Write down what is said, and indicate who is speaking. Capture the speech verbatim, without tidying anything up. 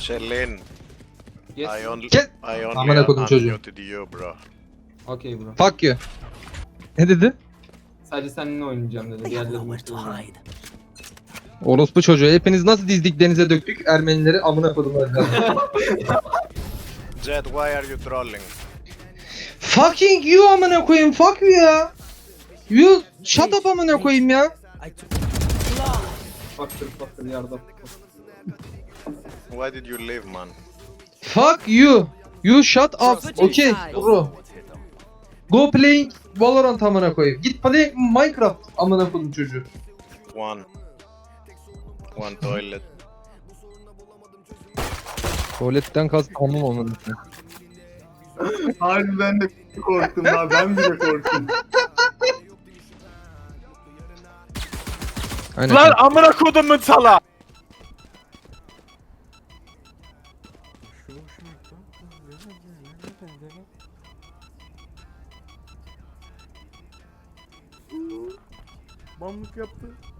Speaker 1: Shelin,
Speaker 2: Yes.
Speaker 1: I only,
Speaker 3: Get-
Speaker 1: I only
Speaker 3: Amına kodum çocuğu.
Speaker 1: unmuted you bro.
Speaker 2: Okay bro.
Speaker 3: Fuck you. Ne dedi?
Speaker 2: Sadece seninle oynayacağım dedi. Diğerleri mutlu oynayacağım.
Speaker 3: Orospu çocuğu. Hepiniz nasıl dizdik denize döktük Ermenileri amına kodum.
Speaker 1: Jet, why are you trolling?
Speaker 3: Fucking you amına koyayım. Fuck you ya. You shut up amına koyayım ya.
Speaker 2: Faktör faktör yardım.
Speaker 1: Why did you leave, man?
Speaker 3: Fuck you. You shut up. Okay bro. Go playing Valorant amına koyayım. Git play Minecraft amına kodum çocuğu.
Speaker 1: One. One toilet.
Speaker 3: Tuvaletten kastım amım amına koyayım.
Speaker 2: Harbi ben de korktum ha. Ben bile korktum.
Speaker 3: Aynen.
Speaker 4: Lan amına kodumun sala. Banlık yaptı.